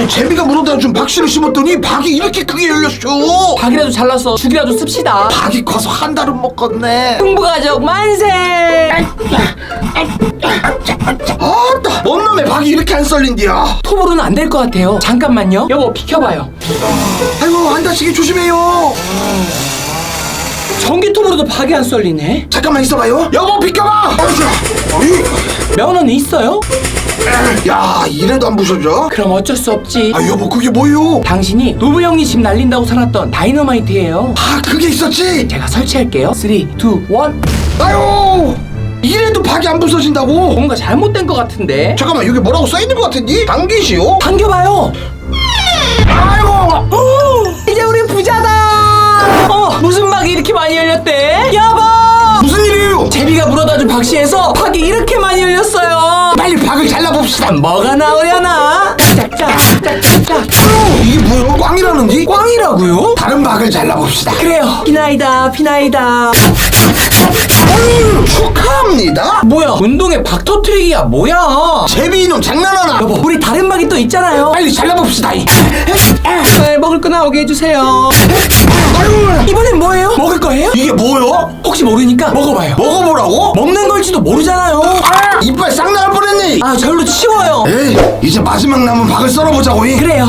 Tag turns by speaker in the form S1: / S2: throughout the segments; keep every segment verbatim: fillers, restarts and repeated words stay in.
S1: 제비가 물어다 준 박씨를 심었더니 박이 이렇게 크게 열렸어.
S2: 박이라도 잘라서 죽이라도 씁시다.
S1: 박이 커서 한 달은 먹겠네.
S2: 흥부가족 만세.
S1: 아따, 뭔 놈의 박이 이렇게 안 썰린디야.
S2: 톱으로는 안 될 것 같아요. 잠깐만요. 여보 비켜봐요.
S1: 아이고, 안 다치게 조심해요.
S2: 전기톱으로도 박이 안 썰리네.
S1: 잠깐만 있어봐요. 여보 비켜봐. 어이.
S2: 면허는 있어요?
S1: 야, 이래도 안 부서져?
S2: 그럼 어쩔 수 없지.
S1: 아, 여보 그게 뭐요?
S2: 당신이 노부 형님 집 날린다고 사놨던 다이너마이트예요.
S1: 아, 그게 있었지?
S2: 제가 설치할게요. 삼, 이, 일.
S1: 아유, 이래도 박이 안 부서진다고?
S2: 뭔가 잘못된 것 같은데.
S1: 잠깐만, 여기 뭐라고 써있는 것 같은데? 당기시오?
S2: 당겨봐요.
S1: 아이고.
S2: 오, 이제 우리 부자다. 어, 무슨 박이 이렇게 많이 열렸대? 여보,
S1: 무슨 일이에요?
S2: 제비가 물어다준 박씨에서 박이 이렇게 많이 열렸어요.
S1: 빨리 박을 잘라봅시다.
S2: 뭐가 나오려나? 짝짝짝짝짝.
S1: 이게 뭐야? 꽝이라는지?
S2: 꽝이라고요?
S1: 다른 박을 잘라봅시다.
S2: 그래요. 피나이다 피나이다.
S1: 어휴, 축하합니다.
S2: 뭐야, 운동에 박 터트리기야 뭐야?
S1: 제비 이놈 장난하나?
S2: 여보, 우리 다른 박이 또 있잖아요.
S1: 빨리 잘라봅시다.
S2: 네, 먹을 거 나오게 해주세요.
S1: 아유,
S2: 이번엔 뭐예요? 먹을 거예요?
S1: 이게 뭐야?
S2: 혹시 모르니까 먹어봐요.
S1: 먹어보라고?
S2: 먹는 걸지도 모르잖아요.
S1: 아, 이빨 싹 나갈 뻔했네.
S2: 아, 절로 치워요.
S1: 에이, 이제 마지막 남은 박을 썰어보자고. 이.
S2: 그래요.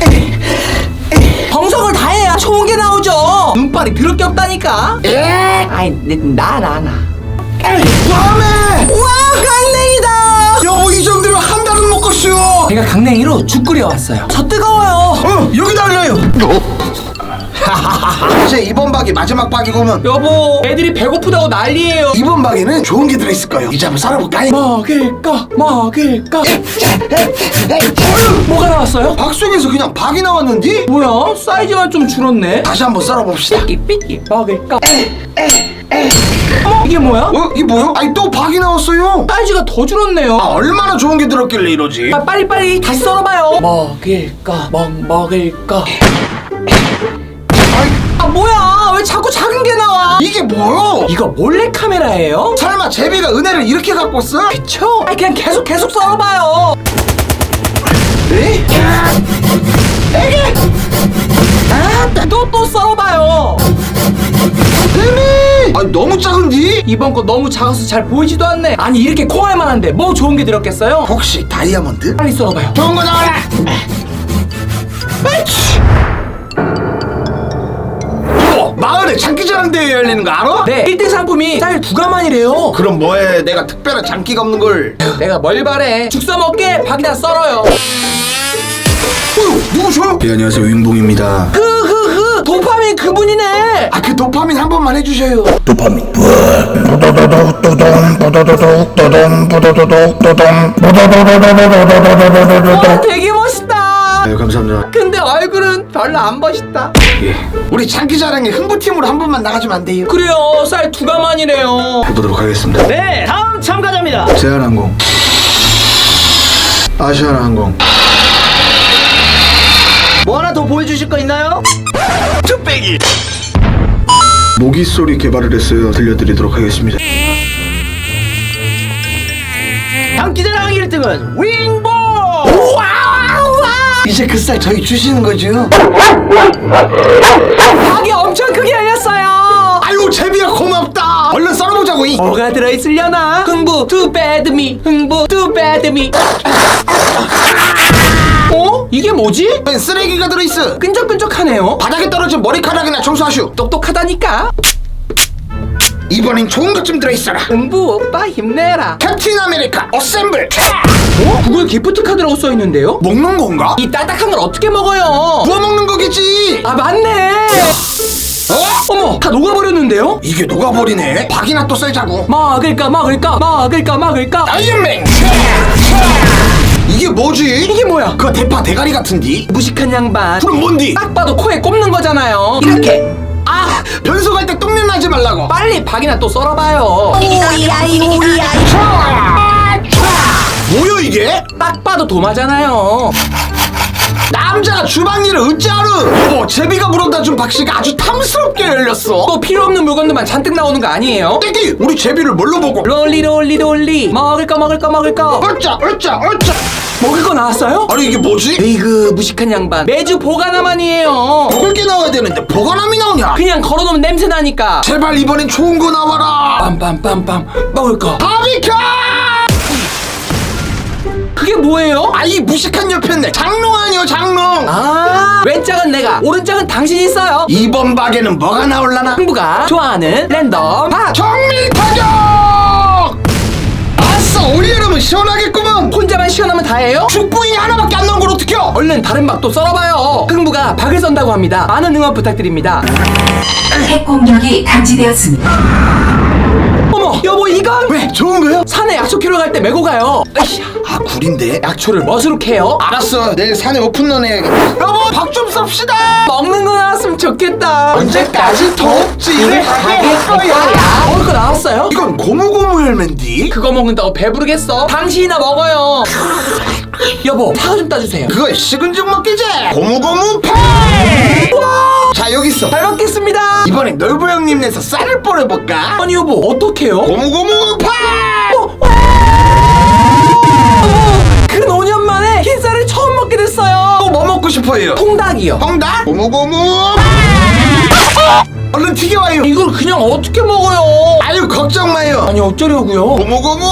S2: 정성을 다해야 좋은 게 나오죠. 눈발이 더럽게 없다니까.
S1: 에?
S2: 아이, 나, 나, 나.
S1: 다음에.
S2: 우와, 강냉이다.
S1: 여보, 이 정도면 한 달은 먹겠슈.
S2: 제가 강냉이로 죽 끓여왔어요. 저 뜨거워요.
S1: 어, 여기다 올려요. 이제 이번 박이 마지막 박이고면
S2: 여보, 애들이 배고프다고 난리예요.
S1: 이번 박에는 좋은 게 들어있을 거예요. 이제 한번 썰어볼까?
S2: 먹을까, 먹을까. 뭐가 나왔어요?
S1: 박 속에서 그냥 박이 나왔는데?
S2: 뭐야, 사이즈가 좀 줄었네.
S1: 다시 한번 썰어봅시다.
S2: 삐삐삐 먹을까. 어머, 이게 뭐야?
S1: 어? 이게 뭐야? 아니, 또 박이 나왔어요.
S2: 사이즈가 더 줄었네요.
S1: 아, 얼마나 좋은 게 들었길래 이러지?
S2: 아, 빨리빨리 다시 썰어봐요. 먹을까, 먹, 먹을까. 아, 뭐야, 왜 자꾸 작은 게 나와?
S1: 이게 뭐야?
S2: 이거 몰래카메라예요?
S1: 설마 제비가 은혜를 이렇게 갖고 왔어?
S2: 그쵸? 아, 그냥 계속 계속 썰어봐요.
S1: 에? 에게?
S2: 아, 또 또 썰어봐요.
S1: 데미! 아니, 너무 작은디?
S2: 이번 거 너무 작아서 잘 보이지도 않네. 아니, 이렇게 코알 만한데 뭐 좋은 게 들었겠어요?
S1: 혹시 다이아몬드?
S2: 빨리 썰어봐요.
S1: 좋은 거 나와라! 에이치! 어, 마을에 장기자랑 대회 열리는 거 알아?
S2: 네, 일 등 상품이 쌀 두 가만이래요.
S1: 그럼 뭐해? 내가 특별한 장기가 없는 걸.
S2: 내가 뭘 바래. 죽 써먹게 박이나 썰어요.
S1: 어, 누구셔? 예, 안녕하세요, 윙봉입니다.
S2: 흐흐흐, 도파민 그분이네.
S1: 아, 그 도파민 한 번만 해주셔요.
S3: 도파민.
S2: 와, 되게 멋있다.
S1: 아유, 감사합니다.
S2: 근데 얼굴은 별로 안 멋있다.
S1: 예. 우리 장기자랑에 흥부팀으로 한 번만 나가주면 안 돼요?
S2: 그래요, 쌀 두 가만이래요.
S1: 해보도록 하겠습니다.
S2: 네, 다음 참가자입니다.
S1: 제한항공, 아시아나항공.
S2: 뭐 하나 더 보여주실 거 있나요?
S1: 쭈빼기. 모기 소리 개발을 했어요. 들려드리도록 하겠습니다.
S2: 장기자랑 일 등은 윙보.
S1: 이제 그 쌀 저희 주시는 거죠?
S2: 박이 엄청 크게 열렸어요.
S1: 아유, 제비야 고맙다. 얼른 썰어보자고. 이.
S2: 뭐가 들어있으려나? 흥부 too bad me, 흥부 too bad me. 어? 이게 뭐지?
S1: 웬 쓰레기가 들어있어.
S2: 끈적끈적하네요.
S1: 바닥에 떨어진 머리카락이나 청소하슈.
S2: 똑똑하다니까.
S1: 이번엔 좋은 것 좀 들어있어라.
S2: 흥부 오빠 힘내라.
S1: 캡틴 아메리카 어셈블.
S2: 어? 구글 기프트 카드라고 써있는데요?
S1: 먹는 건가?
S2: 이 딱딱한 걸 어떻게 먹어요?
S1: 구워 먹는 거겠지.
S2: 아, 맞네.
S1: 어?
S2: 어머, 다 녹아버렸는데요?
S1: 이게 녹아버리네. 박이나 또 썰자고.
S2: 먹을까 먹을까 먹을까 먹을까.
S1: 아이언맨. 이게 뭐지?
S2: 이게 뭐야?
S1: 그거 대파 대가리 같은디?
S2: 무식한 양반.
S1: 그럼 뭔디?
S2: 딱 봐도 코에 꼽는 거잖아요. 이렇게.
S1: 아, 변소 갈 때 똥냄 나지 말라고.
S2: 빨리 박이나 또 썰어봐요.
S1: 뭐야 이게?
S2: 딱 봐도 도마잖아요.
S1: 남자가 주방 일을 어찌하루. 여보, 제비가 물어다 준 박씨가 아주 탐스럽게 열렸어.
S2: 또 필요 없는 물건들만 잔뜩 나오는 거 아니에요?
S1: 떼기, 우리 제비를 뭘로 보고?
S2: 롤리 롤리 롤리 먹을 거 먹을 거 먹을 거
S1: 어짜 어짜 어짜.
S2: 먹을 거 나왔어요?
S1: 아니 이게 뭐지?
S2: 에이그 무식한 양반 매주 보관함만이에요.
S1: 먹을 게 나와야 되는데 보관함이 나오냐?
S2: 그냥 걸어놓으면 냄새 나니까.
S1: 제발 이번엔 좋은 거 나와라.
S2: 빰빰빰빰 먹을 거.
S1: 바비큐!
S2: 그게 뭐예요?
S1: 아이 무식한 옆했네. 장롱 아니요 장롱.
S2: 아 왼짝은 내가 오른짝은 당신이 있어요.
S1: 이번 박에는 뭐가 나올라나?
S2: 흥부가 좋아하는 랜덤 박.
S1: 정밀 타격! 아싸, 우리 여러분 시원하겠구먼.
S2: 혼자만 시원하면 다예요?
S1: 죽부인이 하나밖에 안 나온 걸 어떡해요?
S2: 얼른 다른 박도 썰어봐요. 흥부가 박을 썬다고 합니다. 많은 응원 부탁드립니다.
S3: 핵 공격이 감지되었습니다.
S2: 어머 여보 이건
S1: 왜? 좋은 거요?
S2: 산에 약초 캐러 갈 때 메고 가요. 으쌰.
S1: 아 굴인데?
S2: 약초를 멋으로 캐요?
S1: 알았어, 내일 산에 오픈런 해야겠다. 여보, 박 좀 썹시다.
S2: 먹는 거 나왔으면 좋겠다.
S1: 언제까지 도읍지를 하게 할 거야?
S2: 먹을 거 나왔어요?
S1: 이건 고무고무 열매인데?
S2: 그거 먹는다고 배부르겠어? 당신이나 먹어요. 여보 사과 좀 따주세요.
S1: 그거 식은 죽 먹기지? 고무고무 파! 자, 여기 있어.
S2: 잘 먹겠습니다.
S1: 이번엔 놀부 형님 내서 쌀을 뿌려볼까?
S2: 아니 여보 어떡해요?
S1: 고무고무 파!
S2: 근 오 년 만에 흰쌀을 처음 먹게 됐어요.
S1: 또 뭐 먹고 싶어요?
S2: 통닭이요.
S1: 정답? 고무고무 얼른 튀겨와요.
S2: 이걸 그냥 어떻게 먹어요?
S1: 아유, 걱정 마요.
S2: 아니 어쩌려고요?
S1: 고무고무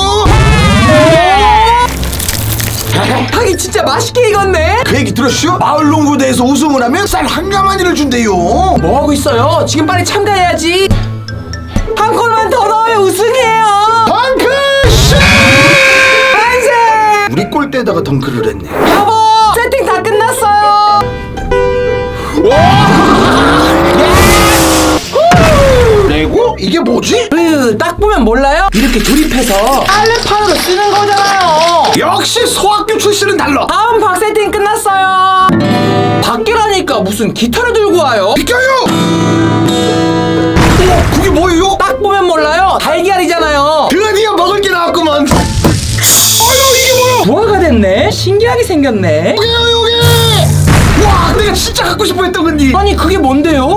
S2: 닭이 진짜 맛있게 익었네.
S1: 그 얘기 들었슈? 마을 농구대에서 우승을 하면 쌀 한 가마니를 준대요.
S2: 뭐 하고 있어요? 지금 빨리 참가해야지. 한 골만 더 넣으면 우승이에요.
S1: 덩크슛!
S2: 만세!
S1: 우리 골대에다가 덩크를 했네.
S2: 여보 세팅 다 끝났어요.
S1: 레고? 이게 뭐지?
S2: 으, 딱 보면 몰라요? 이렇게 조립해서 빨래판으로 쓰는 거잖아요.
S1: 역시 소학교 출신은 달라.
S2: 다음 박 세팅 끝났어요. 밖이라니까 무슨 기타를 들고 와요?
S1: 비켜요! 어, 그게 뭐예요?
S2: 딱 보면 몰라요. 달걀이잖아요.
S1: 드디어 먹을 게 나왔구만. 아유, 이게 뭐야?
S2: 부화가 됐네. 신기하게 생겼네.
S1: 여기요, 여기! 와, 내가 진짜 갖고 싶어 했던 건데.
S2: 아니 그게 뭔데요?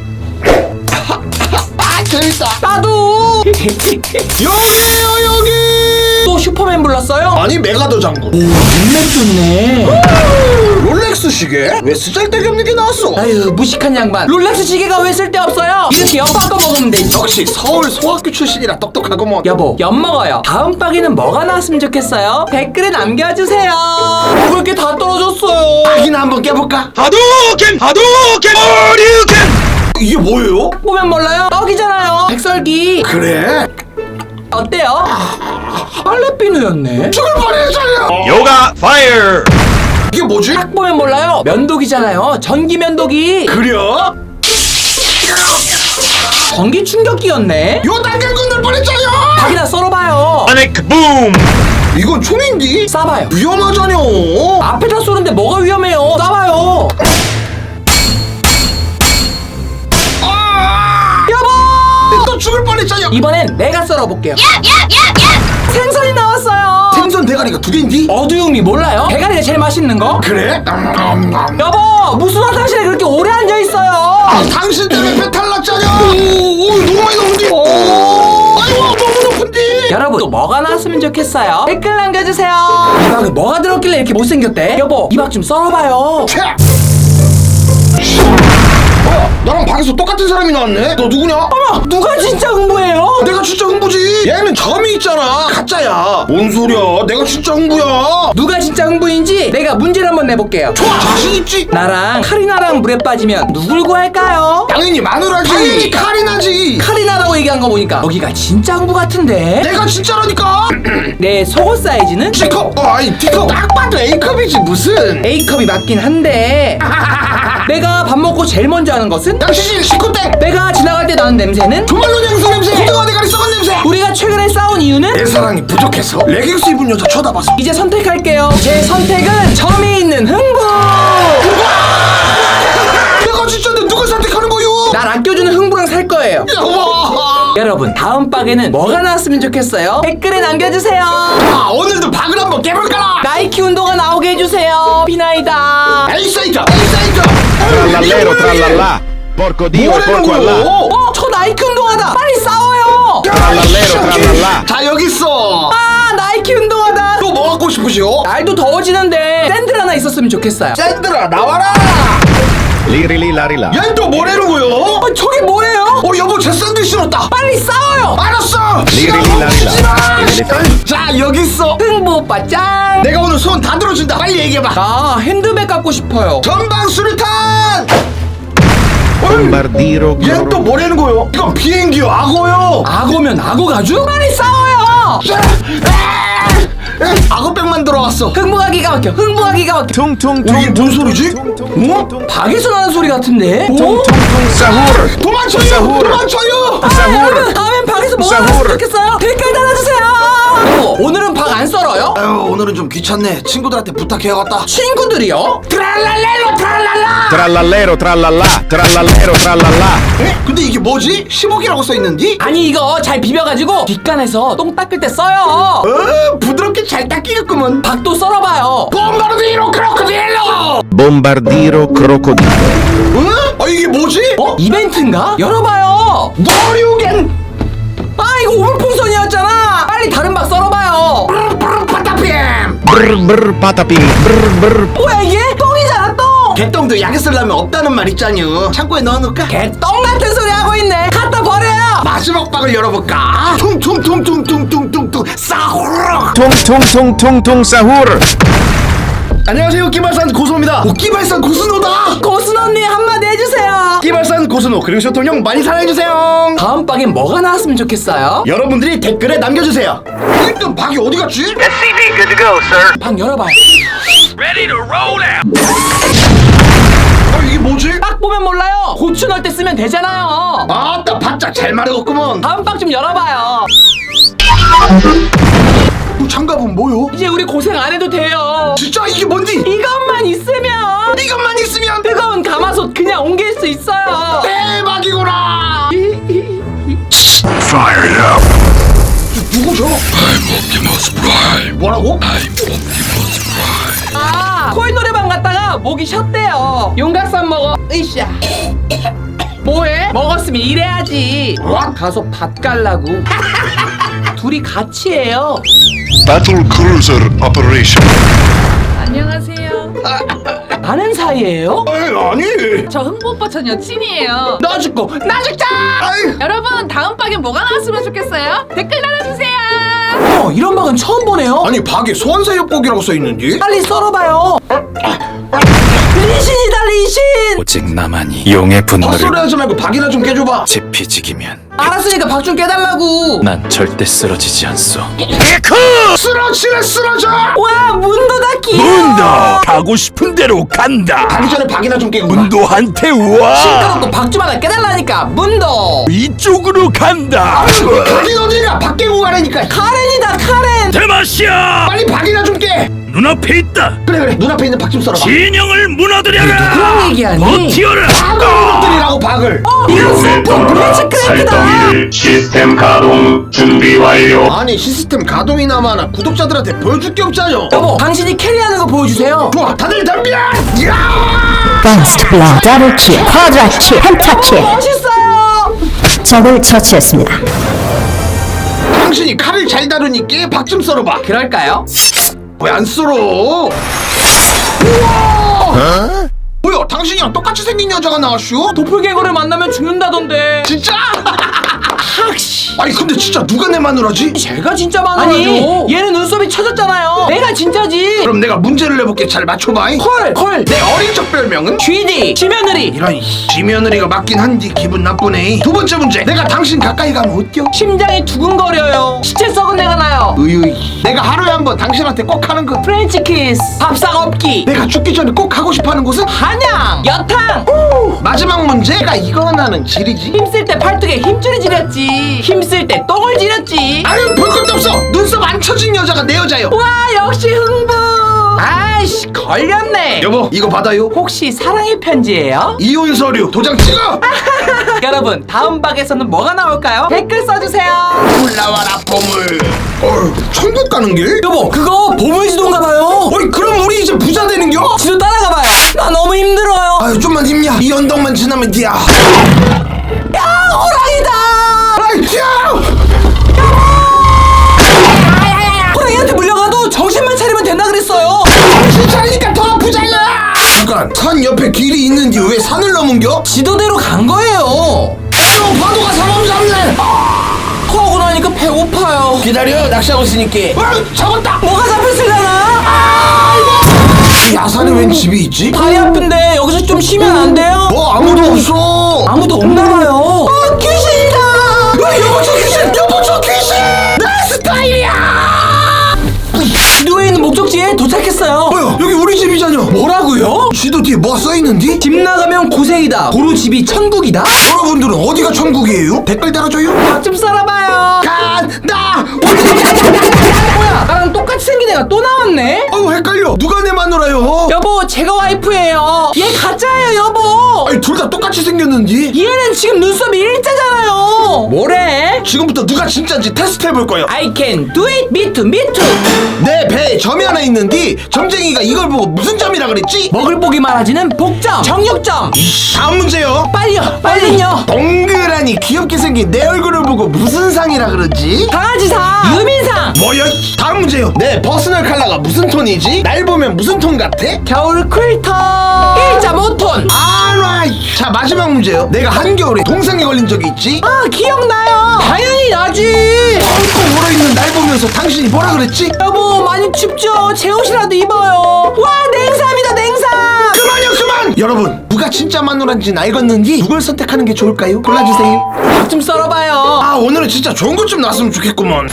S1: 아, 재밌다.
S2: 나도.
S1: 여기에요, 여기!
S2: 또 슈퍼맨 불렀어요?
S1: 아니, 메가더 장군.
S2: 눈맵 좋네.
S1: 롤렉스 시계? 왜 쓰잘데기 없는 게 나왔어?
S2: 아유 무식한 양반. 롤렉스 시계가 왜 쓸데없어요? 이렇게 엿 바꿔 먹으면 되지.
S1: 역시 서울 소학교 출신이라 똑똑하구먼.
S2: 여보 엿 먹어요. 다음 박에는 뭐가 나왔으면 좋겠어요? 댓글에 남겨주세요. 그렇게 다 떨어졌어요.
S1: 박이나 한번 깨볼까?
S4: 하도ken 하도ken 어류ken
S1: 이게 뭐예요?
S2: 보면 몰라요? 떡이잖아요. 백설기.
S1: 그래?
S2: 어때요? 빨래비누였네.
S1: 죽을 뻔했어요.
S4: 요가 파이어
S1: 이게 뭐지?
S2: 딱 보면 몰라요? 면도기잖아요. 전기 면도기.
S1: 그려?
S2: 전기 충격기였네.
S1: 요 당근 건들 뻔했잖아요.
S2: 박이나 썰어봐요.
S4: 아넥 붐
S1: 이건 총인디?
S2: 쏴봐요.
S1: 위험하잖여.
S2: 앞에다 쏘는데 뭐가 위험해요? 쏴봐요.
S1: 아!
S2: 여보!
S1: 또 죽을 뻔했잖여.
S2: 이번엔 내가 썰어볼게요. 생선이 나왔어요.
S1: 생선 대가리가 두 개인디?
S2: 어두움이 몰라요? 대가리가 제일 맛있는 거?
S1: 그래? 음,
S2: 여보 무슨 화장실에 그렇게 오래 앉아있어요?
S1: 아, 당신 때문에 배탈 났잖여. 오, 오, 너무 많이 나오는디? 아이고, 너무 높은디?
S2: 여러분 또 뭐가 나왔으면 좋겠어요? 댓글 남겨주세요. 이 박에 뭐가 들었길래 이렇게 못생겼대? 여보 이 박 좀 썰어봐요.
S1: 캬! 뭐야, 나랑 방에서 똑같은 사람이 나왔네? 너 누구냐?
S2: 어머 누가 진짜 흥부예요?
S1: 내가 진짜 흥부지. 얘는 점이 있잖아. 가짜야. 뭔 소리야? 내가 진짜 흥부야.
S2: 누가 진짜 흥부인지 내가 문제를 한번 내볼게요.
S1: 좋아, 자신 있지?
S2: 나랑 카리나랑 물에 빠지면 누굴 구할까요?
S1: 당연히 마누라지. 당연히 칼이 나지.
S2: 카리나라고 얘기한 거 보니까 여기가 진짜 흥부 같은데?
S1: 내가 진짜라니까.
S2: 내 속옷 사이즈는
S1: C컵. 어, 아니 D컵. 딱 봐도 A컵이지 무슨.
S2: A컵이 맞긴 한데 내가 밥 먹고 제일 먼저 하는 것은?
S1: 양치질 C컵땡.
S2: 내가 지나갈 때 나는 냄새는?
S1: 조말로 향수 냄새. 고등어 대가리 썩은 냄새.
S2: 우리가 최근에 싸운 이유는?
S1: 내 사랑이 부족해서 레깅스 입은 여자 쳐다봐서.
S2: 이제 선택할게요. 제 선택은 점이 있는 흥부.
S1: 내가 진짜 내 누굴 선택하는 거요?
S2: 날 아껴주는 흥부랑 살 거예요.
S1: 여보.
S2: 여러분 다음 박에는 뭐가 나왔으면 좋겠어요? 댓글에 남겨주세요.
S1: 아, 오늘도 박을 한번 깨볼까라.
S2: 나이키 운동화 나오게 해주세요. 비나이다.
S1: A 사이트 A 사이트.
S5: Trallallero trallallà, porco dio e porco allà.
S2: 어? 저 나이키 운동화다. 빨리 싸워요.
S5: Trallallero trallallà.
S1: 자 여기 있어.
S2: 아 나이키 운동화다.
S1: 또 뭐 갖고 싶으시오?
S2: 날도 더워지는데 샌들 하나 있었으면 좋겠어요.
S1: 샌들아 나와라.
S5: Lirili larila.
S1: 얜 또 뭐라는 거요?
S2: 어, 저게 뭐예요?
S1: 어 여보 제 샌들 신었다.
S2: 빨리 싸워요.
S1: 알았어. 시간
S5: 리리리
S1: 멈추지 마.
S5: 라리라.
S1: 자 여기 있어.
S2: 흥부 오빠 짠.
S1: 내가 오늘 손 다 들어준다. 빨리 얘기해봐.
S2: 나 핸드백 갖고 싶어요.
S1: 전방 수류탄.
S5: Bombardiro.
S1: 얜 또 뭐라는 거요? 이건 비행기요 악어요.
S2: 악어면 악어 가죽? 빨리 싸워요.
S1: 악어백만 들어왔어.
S2: 흥부가 기가 막혀. 흥부가 기가 막혀.
S5: Tung-tung
S1: 어, 이게 뭔 소리지?
S5: 어?
S2: 박에서 나는 소리 같은데? 오?
S5: Tung-tung sahur.
S1: 도망쳐요!
S5: 사후르.
S1: 도망쳐요!
S2: 아,
S5: 사후르.
S2: 여러분 다음엔 박에서 뭐 하나
S5: 사후르.
S2: 좋겠어요? 댓글 달아주세요. 여보, 오늘은 박 안 썰어요?
S1: 아유 오늘은 좀 귀찮네. 친구들한테 부탁해야겠다.
S2: 친구들이요? 트랄랄렐로 트랄랄라.
S5: Trallallero trallallà, trallallero trallallà.
S1: 에? 근데 이게 뭐지? 십억이라고 써있는디?
S2: 아니 이거 잘 비벼가지고 뒷간에서 똥 닦을 때 써요.
S1: 어 부드럽게 잘 닦이겠구먼.
S2: 박도 썰어봐요.
S1: 봄바르디로 크로코딜로!
S5: Bombardiro crocodilo.
S1: 어? 아 이게 뭐지?
S2: 어? 이벤트인가? 열어봐요.
S1: 머리우겐!
S2: 아 이거 오물풍선이었잖아. 빨리 다른 박 썰어봐요.
S1: 파타피엠!
S5: Brr brr patapim. Brr brr.
S2: 뭐야 이게? 똥이잖아 똥.
S1: 개똥도 약에 쓰려면 없다는 말 있잖여. 창고에 넣어놓을까?
S2: 개똥 같은 소리 하고 있네. 갖다 버려요.
S1: 마지막 박을 열어볼까? 퉁퉁퉁퉁퉁퉁퉁퉁 싸후르!
S5: Tung-tung-tung-tung-tung sahur.
S1: 안녕하세요 끼발산 고수노입니다. 오, 끼발산 고수노다.
S2: 고순 언니 한마디 해주세요.
S1: 끼발산 고수노 그리고 쇼통형 많이 사랑해주세요.
S2: 다음 박엔 뭐가 나왔으면 좋겠어요?
S1: 여러분들이 댓글에 남겨주세요. 일단 박이 어디 갔지?
S4: S C B good to go, sir.
S2: 박 열어봐요.
S4: Ready to roll out.
S1: 아 이게 뭐지?
S2: 딱 보면 몰라요. 고추 넣을 때 쓰면 되잖아요.
S1: 아따 바짝 잘 마르겠구먼.
S2: 다음 박 좀 열어봐요.
S1: 그 장갑은 뭐요?
S2: 이제 우리 고생 안 해도 돼요.
S1: 진짜 이게 뭔지?
S2: 이것만 있으면
S1: 이것만 있으면
S2: 뜨거운 가마솥 그냥 옮길 수 있어요.
S1: 대박이구나.
S4: Fired up.
S1: 누구죠? I'm Optimus Prime. 뭐라고?
S2: 아, 코인 노래방 갔다가 목이 쉬었대요. 용각산 먹어. 으쌰. 뭐해? 먹었으면 일해야지.
S1: What?
S2: 가서 밥 갈라고. 둘이 같이 해요.
S6: Battle Cruiser Operation.
S7: 안녕하세요.
S2: 아는 사이예요?
S1: 에이, 아니.
S7: 저 흥부 오빠 전 여친이에요.
S2: 너 죽고 나 죽자.
S1: 아이.
S7: 여러분 다음 박에 뭐가 나왔으면 좋겠어요? 댓글 달아주세요.
S2: 어, 이런 박은 처음 보네요.
S1: 아니 박에 소환사 협곡이라고 써있는지?
S2: 빨리 썰어봐요. 리신이다 리신.
S8: 오직 나만이 용의 분노를
S1: 헛소리 하지 말고 박이나 좀 깨줘봐.
S8: 지피지기면
S2: 알았으니까 박 좀 깨달라고.
S8: 난 절대 쓰러지지 않소.
S1: 쓰러지래 쓰러져.
S2: 와 문도다 귀여워.
S4: 문도 가고 싶은 대로 간다.
S1: 가기 전에 박이나 좀 깨고 가.
S4: 문도한테 와.
S2: 시끄럽고 박 좀 하나 깨달라니까 문도.
S4: 이쪽으로 간다.
S1: 가긴 어디가 박 깨고 가라니까.
S2: 카렌이다 카렌.
S4: 대마시아.
S1: 빨리 박이나 좀 깨.
S4: 눈앞에 있다.
S1: 그래 그래 눈앞에 있는 박 좀 썰어봐.
S4: 진영을 무너뜨려라.
S2: 그런 얘기하니?
S4: 버티어라.
S1: 박을 무너뜨리라고 박을.
S2: 이건 스폰 블리츠 크래프트다.
S9: 시스템 가동 준비 완료.
S1: 아니 시스템 가동이나마나 구독자들한테 보여줄 게 없잖여.
S2: 여보 당신이 캐리하는 거 보여주세요.
S1: 좋아 다들 덤벼. 야!
S10: 버스트 블러 더블킬 쿼드라킬 펜타킬
S2: 멋있어요.
S10: 적을 처치했습니다.
S1: 당신이 칼을 잘 다루니까 박 좀 썰어봐.
S2: 그럴까요?
S1: 왜 안 썰어? 우와! 뭐야 당신이랑 똑같이 생긴 여자가 나왔슈?
S2: 도플갱어를 만나면 죽는다던데.
S1: 진짜?
S2: 학씨.
S1: 아니 근데 진짜 누가 내 마누라지?
S2: 제가 진짜 많아요. 아니 얘는 눈썹이 쳐졌잖아요. 내가 진짜지.
S1: 그럼 내가 문제를 내볼게. 잘 맞춰봐.
S2: 헐 헐.
S1: 내 어린 적 별명은?
S2: 쥐디 지며느리.
S1: 이런 지며느리가 맞긴 한디 기분 나쁘네. 두 번째 문제. 내가 당신 가까이 가면 어때요?
S2: 심장이 두근거려요. 시체 썩은 내가 나요.
S1: 으유이. 내가 하루에 한 번 당신한테 꼭 하는 거.
S2: 프렌치 키스. 밥상 없기.
S1: 내가 죽기 전에 꼭 하고 싶어하는 곳은?
S2: 한양. 여탕.
S1: 마지막 문제가 이거 나는 지리지.
S2: 힘쓸 때 팔뚝에 힘줄이 지렸지. 힘쓸 때 똥을 지렸지.
S1: 아유 볼 것도 없어. 눈썹 안 쳐진 여자가 내 여자요.
S2: 와 역시 흥부. 아이씨 걸렸네.
S1: 여보 이거 받아요.
S2: 혹시 사랑의 편지예요?
S1: 이혼 서류 도장 찍어.
S2: 여러분 다음 박에서는 뭐가 나올까요? 댓글 써주세요.
S1: 올라와라 보물. 어 천국 가는 길?
S2: 여보 그거 보물지도인가봐요.
S1: 어이 그럼 우리 이제 부자 되는겨?
S2: 지도 따라가봐요. 난
S1: 이 언덕만 지나면 돼야.
S2: 야, 호랑이다.
S1: 아이, 야!
S2: 호랑이한테 물려가도 정신만 차리면 된다 그랬어요.
S1: 정신 차리니까 더 아프잖아. 잠깐, 산 옆에 길이 있는데 왜 산을 넘은겨?
S2: 지도대로 간 거예요.
S1: 어, 파도가 사람 잡네.
S2: 하고 나니까 배고파요.
S1: 기다려, 낚시하고 있으니까. 어, 잡았다.
S2: 뭐가 잡혔을려나?
S1: 야산에 웬 집이 있지?
S2: 다리 아픈데 여기서 좀 쉬면 안 돼요?
S1: 뭐 아무도 없어.
S2: 아무도 없나봐요. 어, 귀신이다.
S1: 어, 여보 저 귀신, 여보 저 귀신. 내 스타일이야.
S2: 지도에 있는 목적지에 도착했어요.
S1: 뭐야, 여기 우리 집이잖여.
S2: 뭐라고요?
S1: 지도 뒤에 뭐 써있는디?
S2: 집 나가면 고생이다. 도로 집이 천국이다.
S1: 여러분들은 어디가 천국이에요? 댓글 달아줘요.
S2: 밥 좀 썰어봐요.
S1: 간다.
S2: 뭐야, 나랑 똑같이 생긴 애가 또 나왔네?
S1: 어우 헷갈려. 누가 내 마누라요?
S2: 여보, 제가 와이프예요. 얘 가짜예요, 여보.
S1: 아니 둘 다 똑같이 생겼는지.
S2: 얘는 지금 눈썹이 일자잖아요. 뭐래?
S1: 지금부터 누가 진짜인지 테스트 해볼 거예요.
S2: I can do it, me too, me too.
S1: 내 배에 점이 하나 있는데 점쟁이가 이걸 보고 무슨 점이라 그랬지?
S2: 먹을 보기 말아지는 복점, 정육점.
S1: 다음 문제요.
S2: 빨리요, 빨리요.
S1: 동그라니 귀엽게 생긴 내 얼굴을 보고 무슨 상이라 그러지?
S2: 강아지상, 유민상.
S1: 뭐야? 다음 문제요. 내 퍼스널 컬러가 무슨 톤이지? 날 보면 무슨 톤 같아?
S2: 겨울 쿨톤 일 점 오 톤.
S1: 알라이. 자 마지막 문제요. 내가 한겨울에 동상에 걸린 적이 있지?
S2: 아, 기억나요. 당연히 나지.
S1: 뻥뻥 얼어있는 날 보면서 당신이 뭐라 그랬지?
S2: 여보, 많이 춥죠? 제 옷이라도 입어요. 와, 냉삼이다, 냉삼.
S1: 그만요 그만. 여러분 누가 진짜 마누라인지는 알겠는지 누굴 선택하는 게 좋을까요? 골라주세요.
S2: 밥 좀 썰어봐요.
S1: 아 오늘은 진짜 좋은 것 좀 나왔으면 좋겠구먼.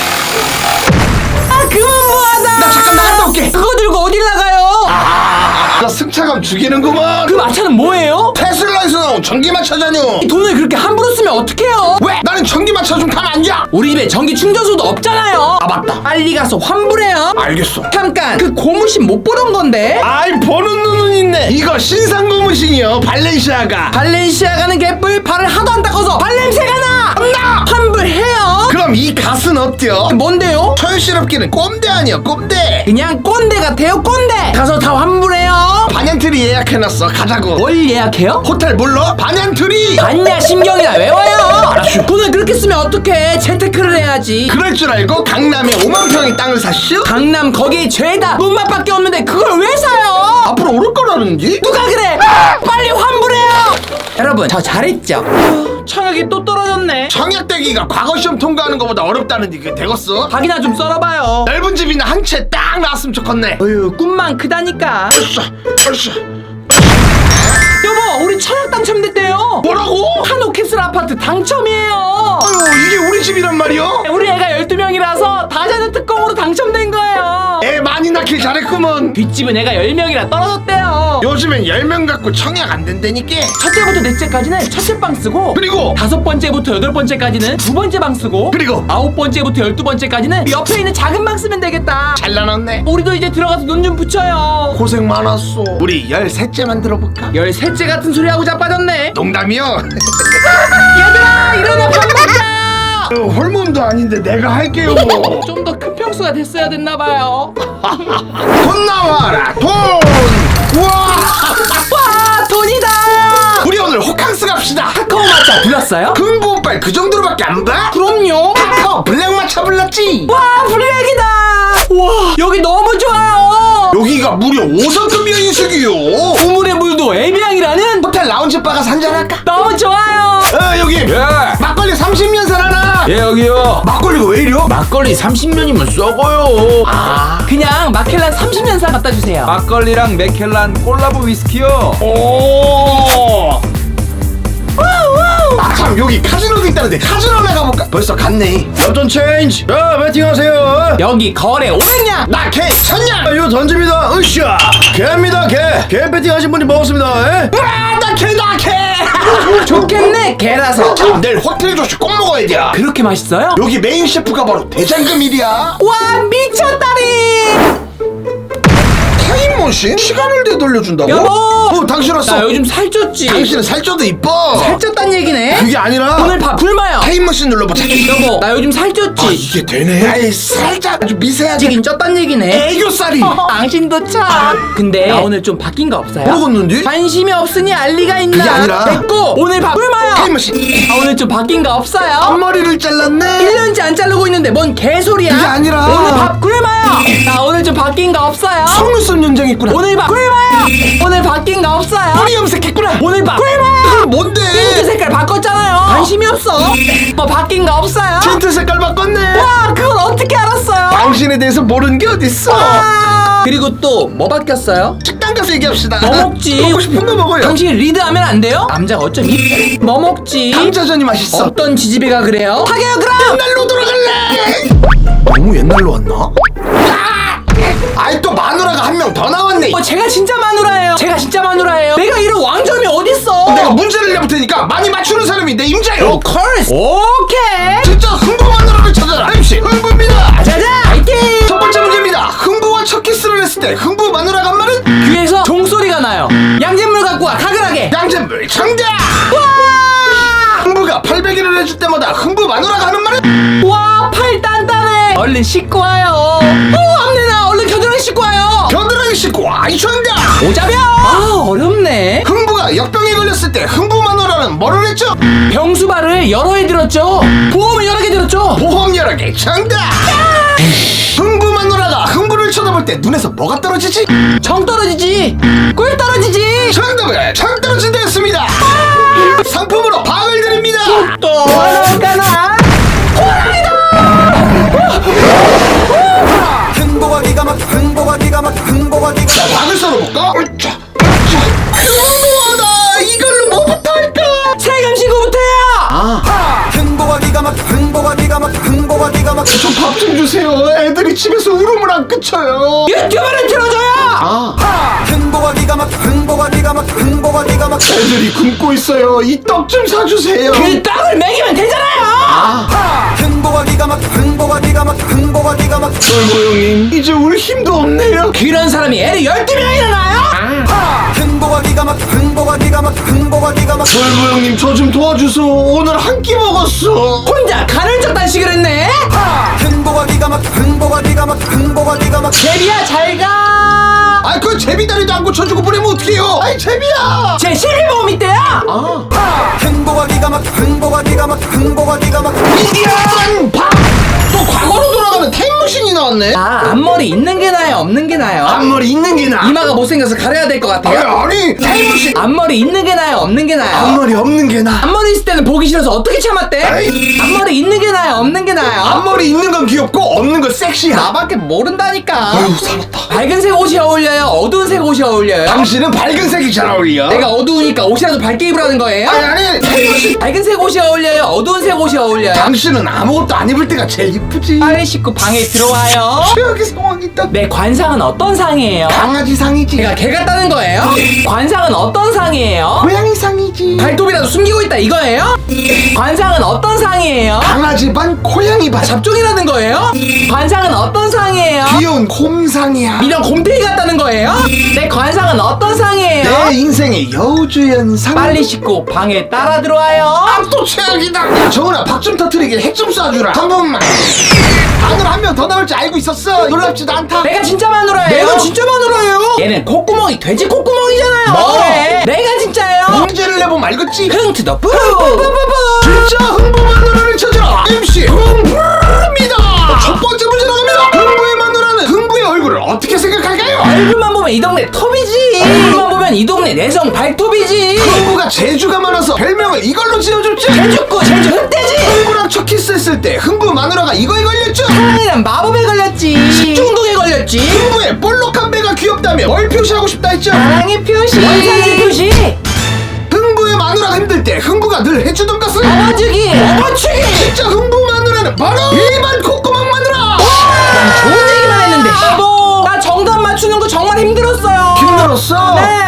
S2: 아, 그만 뭐하다.
S1: 나 잠깐 나갔다 올게.
S2: 그거 들고 어딜 나가요?
S1: 나 승차감 죽이는구먼.
S2: 그 마차는 뭐예요?
S1: 테슬라에서 나온 전기마차잖여.
S2: 이 돈을 그렇게 함부로 쓰면 어떡해요?
S1: 왜? 나는 전기마차 좀 타면 안 돼?
S2: 우리 집에 전기 충전소도 없잖아요.
S1: 아 맞다.
S2: 빨리 가서 환불해요.
S1: 알겠어.
S2: 잠깐, 그 고무신 못 보던 건데.
S1: 아이 보는 눈은 있네. 이거 신상 고무신이요. 발렌시아가.
S2: 발렌시아가는 개뿔. 발을 하도 안 닦아서 발냄새가 나.
S1: 나.
S2: 환불해요.
S1: 그럼 이 갓은 어때요?
S2: 뭔데요?
S1: 철실업기는 꼼대 아니야 꼼대.
S2: 그냥 꼰대 같아요, 꼰대. 가서 다 환불해요.
S1: 반얀트리 예약해놨어. 가자고.
S2: 뭘 예약해요?
S1: 호텔 몰라? 반얀트리.
S2: 봤냐, 신경이나 외워요. 돈을 그렇게 쓰면 어떡해. 재테크를 해야지.
S1: 그럴 줄 알고 강남에 오만 평의 땅을 샀슈?
S2: 강남 거기 죄다. 눈맛밖에 없는데 그걸 왜 사요?
S1: 앞으로 오를 거라는지?
S2: 누가 그래? 빨리 환불해요. 여러분, 저 잘했죠? 청약이 또 떨어졌네.
S1: 청약대기가 과거 시험 통과하는 것보다 어렵다는데 그게 되겠어?
S2: 밥이나 좀 썰어봐요.
S1: 넓은 집이나 한 채 딱 나왔으면 좋겠네.
S2: 어휴, 꿈만 크다니까.
S1: 벌써 벌써.
S2: 여보, 우리 청약 당첨됐대요.
S1: 뭐라고?
S2: 한옥캐슬 아파트 당첨이에요.
S1: 아유 이게 우리 집이란 말이야?
S2: 우리 애가 열두 명이라서 다자녀 특공으로 당첨된 거예요.
S1: 애 많이 낳길 잘했구먼.
S2: 뒷집은 애가 열 명이라 떨어졌대요.
S1: 요즘엔 열 명 갖고 청약 안 된다니까.
S2: 첫째부터 넷째까지는 첫째 방 쓰고,
S1: 그리고
S2: 다섯 번째부터 여덟 번째까지는 두 번째 방 쓰고,
S1: 그리고
S2: 아홉 번째부터 열두 번째까지는 옆에 있는 작은 방 쓰면 되겠다.
S1: 잘 나눴네.
S2: 우리도 이제 들어가서 눈 좀 붙여요.
S1: 고생 많았어. 우리 열셋째만 들어볼까?
S2: 열셋째 같은 소리 하고 자빠졌네.
S1: 농담이요.
S2: 얘들아, 일어나 밥 먹자.
S1: 어, 홀몸도 아닌데 내가 할게요.
S2: 좀 더 큰 평수가 됐어야 됐나봐요.
S1: 돈 나와라 돈. 우와.
S2: 와, 돈이다.
S1: 우리 오늘 호캉스 갑시다.
S2: 카카오 마차 불렀어요?
S1: 금부 오빠 그 정도로밖에 안 봐?
S2: 그럼요.
S1: 카카오 블랙마차 불렀지.
S2: 와, 블랙이다. 와, 여기 너무 좋아요.
S1: 여기가 무려 오 성급 여인숙이요.
S2: 우물의 물도 애비양이라는
S1: 호텔 라운지 바 가서 한잔할까?
S2: 너무 좋아요.
S1: 아 여기 막걸리 삼십 년산 하나.
S8: 예, 여기요.
S1: 막걸리가 왜 이려?
S8: 막걸리 삼십 년이면 썩어요.
S1: 아,
S2: 그냥 마켈란 삼십 년산 갖다 주세요.
S8: 막걸리랑 맥켈란 콜라보 위스키요.
S1: 오. 아, 참 여기 카지노도 있다는데 카지노 나가볼까? 벌써 갔네. 엽전 체인지. 자 배팅하세요.
S2: 여기 거래 오백 냥.
S1: 나 개 천냥. 이거 던집니다. 으쌰. 개입니다 개. 개 배팅하신 분이 먹었습니다. 에? 아, 나 개, 나 개.
S2: 좋겠네, 개라서.
S1: 내일 호텔 조식 꼭 먹어야 돼.
S2: 그렇게 맛있어요?
S1: 여기 메인 셰프가 바로 대장금일이야.
S2: 와, 미쳤다리.
S1: 타임머신? 시간을 대 돌려준다고?
S2: 여보!
S1: 어 당신
S2: 나
S1: 왔어.
S2: 요즘 살쪘지?
S1: 당신은 살쪄도 이뻐.
S2: 살쪘단 얘기네?
S1: 그게 아니라
S2: 오늘 밥 굶어요.
S1: 타임머신 눌러보자.
S2: 여보 나 요즘 살쪘지?
S1: 아 이게 되네. 아이 살짝 아주 미세하게
S2: 찌긴 쪘단 얘기네.
S1: 애교살이.
S2: 당신도 참. 근데 나 오늘 좀 바뀐 거 없어요?
S1: 먹었는데?
S2: 관심이 없으니 알 리가 있나?
S1: 그게 아니라
S2: 됐고 오늘 밥 굶어요.
S1: 타임머신.
S2: 아, 오늘 좀 바뀐 거 없어요?
S1: 앞머리를 잘랐네.
S2: 일 년째 안 자르고 있는데 뭔 개소리야?
S1: 그게 아니라
S2: 오늘 밥 굶어요. 나 오늘 좀 바뀐 거 없어요?
S1: 속눈썹 연장했구나.
S2: 오늘 밥 굶어요. 오늘 바뀐 거 없어요?
S1: 머리 염색했구나.
S2: 오늘 밥 굶어요.
S1: 그건 뭔데?
S2: 틴트 색깔 바꿨잖아요. 관심이 없어. 뭐 바뀐 거 없어요?
S1: 틴트 색깔 바꿨네.
S2: 와 그걸 어떻게 알았어요?
S1: 당신에 대해서 모르는 게 어딨어.
S2: 와. 그리고 또 뭐 바뀌었어요?
S1: 식당 가서 얘기합시다.
S2: 뭐 먹지?
S1: 먹고 싶은 거 먹어요.
S2: 당신이 리드하면 안 돼요? 남자가 어쩜 이... 뭐 먹지?
S1: 감자전이 맛있어.
S2: 어떤 지지배가 그래요? 하게요 그럼!
S1: 옛날로 돌아갈래. 너무 옛날로 왔나? 아이 또 마누라가 한 명 더 나왔네.
S2: 어, 제가 진짜 마누라예요. 제가 진짜 마누라예요. 내가 이런 왕점이 어딨어?
S1: 내가 문제를 내볼 테니까 많이 맞추는 사람이 내 임자요.
S2: 오 컬스 오케이.
S1: 진짜 흥부 마누라를 찾아라. 엠씨 흥부입니다.
S2: 자자 화이팅.
S1: 첫 번째 문제입니다. 흥부와 첫 키스를 했을 때 흥부 마누라가 한 말은
S2: 귀에서 종소리가 나요. 양잿물 갖고 와 가글하게.
S1: 양잿물 정답. 흥부가 팔백 일을 해줄 때마다 흥부 마누라가 하는 말은
S2: 와 팔 단단해. 얼른 씻고 와요. 오 앞내나 얼른 겨드랑이 씻고 와요.
S1: 겨드랑이 씻고 와. 이 정답.
S2: 오자병. 아 어렵네.
S1: 흥부가 역병에 걸렸을 때 흥부 마누라는 뭐를 했죠?
S2: 병수발을 여러 해 들었죠. 보험을 여러 개 들었죠.
S1: 보험 여러 개 정답. 흥부 마누라가 흥부를 쳐다볼 때 눈에서 뭐가 떨어지지?
S2: 정 떨어지지. 꿀 떨어지지.
S1: 정답은 정 떨어진다 했습니다. 상품으로 박을 드립니다.
S2: 또 하나가나.
S1: 흥보가 기가 막혀 흥보가 기가 막혀 흥보가 기가 막혀. 박을 썰어볼까? 으쌰, 으쌰. 너무하다. 이걸로 뭐부터 할까?
S2: 세금 신고부터야.
S1: 아 흥보가 기가 막혀 흥보가 기가 막혀 흥보가 기가 막혀. 좀 밥 좀 주세요. 애들이 집에서 울음을 안 그쳐요.
S2: 유튜브를 틀어줘요.
S1: 아 흥보가 기가 막혀 흥보가 기가 막혀 흥보가 기가 막혀. 애들이 굶고 있어요. 이 떡 좀 사주세요.
S2: 그 떡을 먹이면 되잖아요.
S1: 아 흥보가 기가 막혀 흥보가 기가 막혀 흥보가 기가 막혀. 어이구 형님 이제 울 힘도 없네요.
S2: 그런 사람이 애를 열두 명이나 낳아요?
S1: 아 흥보가 기가 막혀 흥보가 기가 막혀 흥보가 기가 막혀. 어이구 형님 저 좀 도와주소. 오늘 한 끼 먹었어.
S2: 혼자 간헐적 단식을 했네?
S1: 아 흥보가 기가 막혀 흥보가 기가 막혀 흥보가 기가 막혀.
S2: 제비야 잘가.
S1: 아이 그 제비다리도 안 고쳐주고 보내면 어떡해요. 아이 제비야.
S2: 제 실비보험 있대요?
S1: 아 흥보가 기가 막혀 흥보가 기가 막혀 흥보가 기가 막혀. 이런 또 과거로 돌아가는 타임머신이 나왔네.
S2: 아 앞머리 있는 게 나아요 없는 게 나아요?
S1: 앞머리 있는 게 나아.
S2: 이마가 못생겨서 가려야 될 것 같아요?
S1: 아니 아니 타임머신.
S2: 앞머리 있는 게 나아요 없는 게 나아요?
S1: 앞머리 없는 게 나아.
S2: 앞머리 있을 때는 보기 싫어서 어떻게 참았대?
S1: 에이.
S2: 앞머리 있는 게 나아요 없는 게 나아요?
S1: 앞머리 있는 건 귀엽고 없는 건 섹시야.
S2: 나밖에 모른다니까.
S1: 아유 살았다.
S2: 밝은 색 옷이 어울려요 어두운 색 옷이 어울려요?
S1: 당신은 밝은 색이 잘 어울려.
S2: 내가 어두우니까 옷이라도 밝게 입으라는 거예요?
S1: 아니 아니 타임머신.
S2: 밝은 색 옷이 어울려요 어두운 색 옷이 어울려요?
S1: 당신은 아무것도 안 입을 때가 제일 이쁘지.
S2: 빨리 씻고 방에 들어와요.
S1: 최악의 상황이다.
S2: 내 관상은 어떤 상이에요?
S1: 강아지 상이지.
S2: 제가 개 같다는 거예요? 관상은 어떤 상이에요?
S1: 고양이 상이지.
S2: 발톱이라도 숨기고 있다 이거예요? 관상은 어떤 상이에요?
S1: 강아지 반 고양이 반.
S2: 잡종이라는 거예요? 관상은 어떤 상이에요?
S1: 귀여운 곰상이야.
S2: 이런 곰탱이 같다는 거예요? 내 관상은 어떤 상이에요?
S1: 내 인생의 여우주연상.
S2: 빨리 씻고 방에 따라 들어와요.
S1: 아, 또 최악이다. 정은아 박 좀 터트리게 핵 좀 쏴주라. 한 번만. 바늘 한 명 더 나올 줄 알고 있었어. 놀랍지도 않다.
S2: 내가 진짜 마누라예요.
S1: 내가 진짜 마누라예요.
S2: 얘는 콧구멍이 돼지 콧구멍이잖아요.
S1: 뭐?
S2: 네. 내가 진짜예요.
S1: 문제를 내보면 알겠지.
S2: 흥투더 뿌.
S1: 진짜 흥부 마누라를 찾아라. 엠씨 흥부입니다. 첫 번째 문제 나갑니다. 흥부의 마누라는 흥부의 얼굴을 어떻게 생각할까요?
S2: 얼굴만 보면 이 동네 톱이지. 얼굴만 보면 이 동네 내성 발톱이지.
S1: 흥부가 재주가 많아서 별명을 이걸로 지어줬지.
S2: 제주고 제주 흑돼지.
S1: 흥부랑 첫 키스했을 때 흥부 마누라가 이거에 걸렸죠.
S2: 사랑이란 마법에 걸렸지. 식중독에 걸렸지.
S1: 흥부의 볼록한 배가 귀엽다며 뭘 표시하고 싶다 했죠.
S2: 사랑의 표시. 원산지 표시.
S1: 흥부의 마누라가 힘들 때 흥부가 늘 해주던 것은
S2: 업어주기.
S1: 업어주기. 진짜 흥부 마누라는 바로 일반 콧구멍 마누라.
S2: 난 좋은 얘기만 했는데. 여보, 나 정답 맞추는 거 정말 힘들었어요.
S1: 힘들었어?
S2: 네.